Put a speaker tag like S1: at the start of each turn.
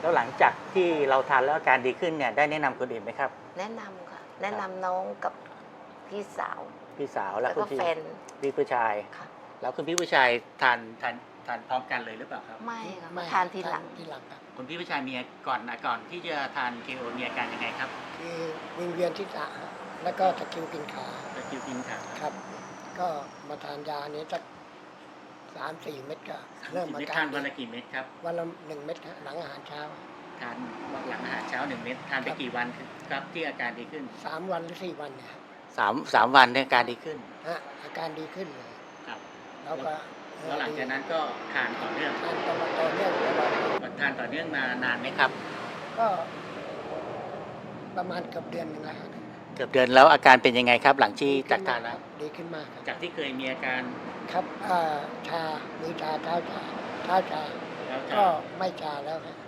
S1: แล้วหลังจากที่เราทานแล้วอาการดีขึ้นเนี่ยได้แนะนำคนอื่นไหมครับ
S2: แนะนำค่ะแนะนำน้องกับพี่สาว
S1: พี่สาวแล้
S2: แล้ว ว
S1: คุ
S2: ก็
S1: ณพี่
S2: แฟน
S1: พี่ผู้ชาย
S2: ค่ะ
S1: แล้วคุณพี่ผู้ชายทานพร้อมกันเลยหรือเปล่าครับ
S2: ไม่ค่ะ
S3: ไม่
S2: ทานทีหลัง
S3: ทีหลังครับ
S1: คุณพี่ผู้ชายมีก่อนที่จะทาน KO มีอาการยังไงครับ
S3: คือวิงเวียนที่ศีรษะแล้วก็ตะคริวกินขา
S1: ตะคริวกินขา
S3: ครับ ก็มาทานยานี้สัก3-4 เม็ดก็เริ่มอา
S1: เม็ด
S3: กา
S1: ทาร นวันละกี่เม็ดครับ
S3: วันละ1 เม็ดฮะหลังอาหารเช้า
S1: ทานหลังอาหารเช้า1 เม็ดทานไปกี่วันครับที่อาการดีขึ้น
S3: 3 วันหรือ 4 วันเนี่ยครับ
S1: 3 วันเนี่ยอาการดีขึ้น
S3: ฮะอาการดีขึ้นเลย
S1: ครับ
S3: แล้วก็
S1: แล้วหลังจากนั้นก็ทานต่อเนื่อง
S3: ทานตลอดต่อเนื่องตลอด
S1: ทานต่อเนื่องมานานไหมครับ
S3: ก็ประมาณเกือบเดือนหนึงแล้วฮะ
S1: เกือบเดือนแล้วอาการเป็นยังไงครับ หลังที่จากทานแล้ว
S3: ดีขึ้นมากครับ
S1: จากที่เคยมีอาการ
S3: ครับชามือชาเท้าชา
S1: แล้ว
S3: ก็ไม่ชาแล้วฮะ